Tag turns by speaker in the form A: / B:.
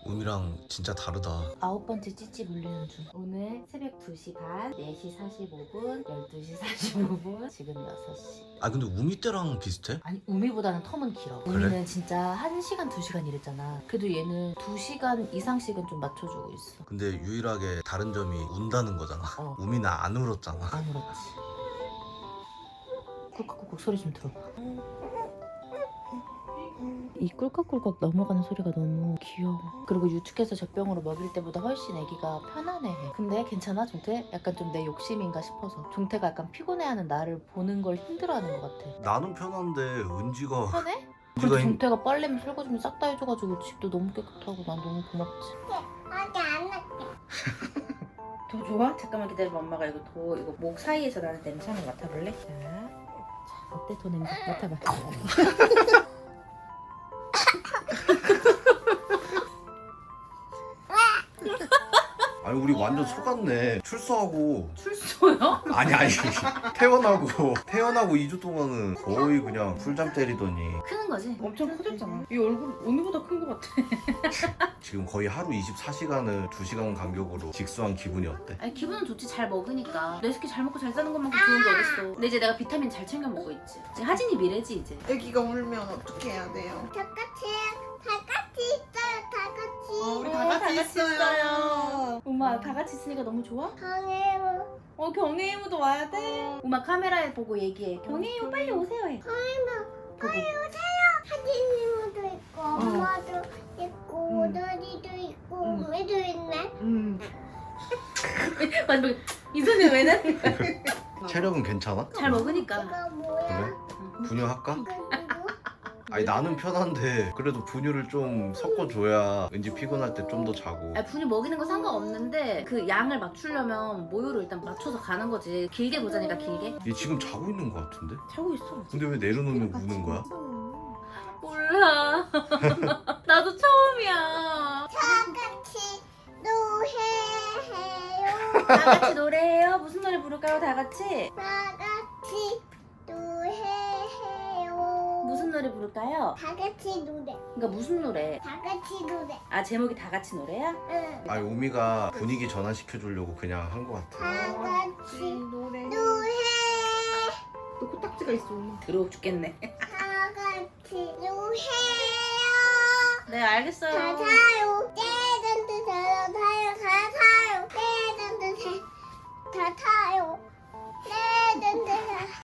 A: 음이랑 진짜 다르다.
B: 9번째 찌찌 물리는 중. 오늘 새벽 2시 반, 4시 45분, 12시 45분, 지금 6시.
A: 아 근데 우미 때랑 비슷해?
B: 아니 우미보다는 텀은 길어.
A: 그래?
B: 우미는 진짜 1시간 2시간 이랬잖아. 그래도 얘는 2시간 이상씩은 좀 맞춰주고 있어.
A: 근데 유일하게 다른 점이 운다는 거잖아. 우미는 안 울었잖아.
B: 안 울었지. 꿀꺽꿀꺽 소리 좀 들어봐. 이 꿀꺽꿀꺽 넘어가는 소리가 너무 귀여워. 그리고 유축해서 젖병으로 먹일 때보다 훨씬 애기가 편안해해. 근데 괜찮아 종태? 약간 좀 내 욕심인가 싶어서. 종태가 약간 피곤해하는 나를 보는 걸 힘들어하는 것 같아.
A: 나는 편한데 은지가
B: 편해? 그래도 종태가 빨래면 설거지면 싹 다 해줘가지고 집도 너무 깨끗하고 난 너무 고맙지.
C: 어디 안 할게.
B: 더 좋아? 잠깐만 기다려봐. 엄마가 이거 목 사이에서 나는 냄새 한번 맡아볼래? 자, 어때 더 냄새? 맡아봐.
A: 아니 우리 완전 속았네. 출소하고
B: 출소요?
A: 아니 태어나고 2주 동안은 거의 그냥 풀잠 때리더니
B: 크는 거지? 엄청 커졌잖아. 이 얼굴 우미보다 큰 거 같아.
A: 지금 거의 하루 24시간을 2시간 간격으로 직수한 기분이 어때?
B: 아니 기분은 좋지. 잘 먹으니까. 내 새끼 잘 먹고 잘 사는 것만큼 좋은 게 어딨어. 근데 이제 내가 비타민 잘 챙겨 먹고 있지. 이제 하진이 미래지 이제.
D: 애기가 울면 어떻게 해야 돼요?
C: 다 같이 있어요. 다 같이.
D: 우리 다 같이 있어요.
B: 엄마 다 같이 있으니까 너무 좋아?
C: 강해요.
B: 경혜이모도 와야 돼. 엄마 카메라에 보고 얘기해. 경혜이모 빨리 오세요 해.
C: 빨리 오세요. 사진님도 있고 엄마도 있고 너리도 있고 우미도 있네.
B: 마지막에 이 손이 왜 나는 거야?
A: 체력은 괜찮아?
B: 잘 먹으니까.
C: 이거 뭐야?
A: 그래? 분유할까?
C: 이거 누구?
A: 아니 나는 편한데 그래도 분유를 좀 섞어줘야 은지 피곤할 때 좀 더 자고.
B: 아니, 분유 먹이는 거 상관없는데 그 양을 맞추려면 모유를 일단 맞춰서 가는 거지. 길게 보자니까 길게.
A: 얘 지금 자고 있는 거 같은데?
B: 자고 있어.
A: 근데 왜 내려놓으면 우는 거야?
B: 몰라. 나도 처음이야.
C: 다 같이 노래해요.
B: 다 같이 노래해요. 무슨 노래 부를까요? 다 같이.
C: 다 같이 노래해요.
B: 무슨 노래 부를까요?
C: 다 같이 노래.
B: 그러니까 무슨 노래?
C: 다 같이 노래.
B: 아 제목이 다 같이 노래야?
C: 응.
A: 아니 우미가 분위기 전환시켜주려고 그냥 한 거 같아.
C: 다 같이
D: 노래.
C: 노래.
D: 또 코딱지가 있어.
B: 더러워 죽겠네.
C: 다 같이 노래해요.
B: 네 알겠어요.
C: 다 타요. 떼든지 다 타요. 다 타요. 떼든지 다 타요.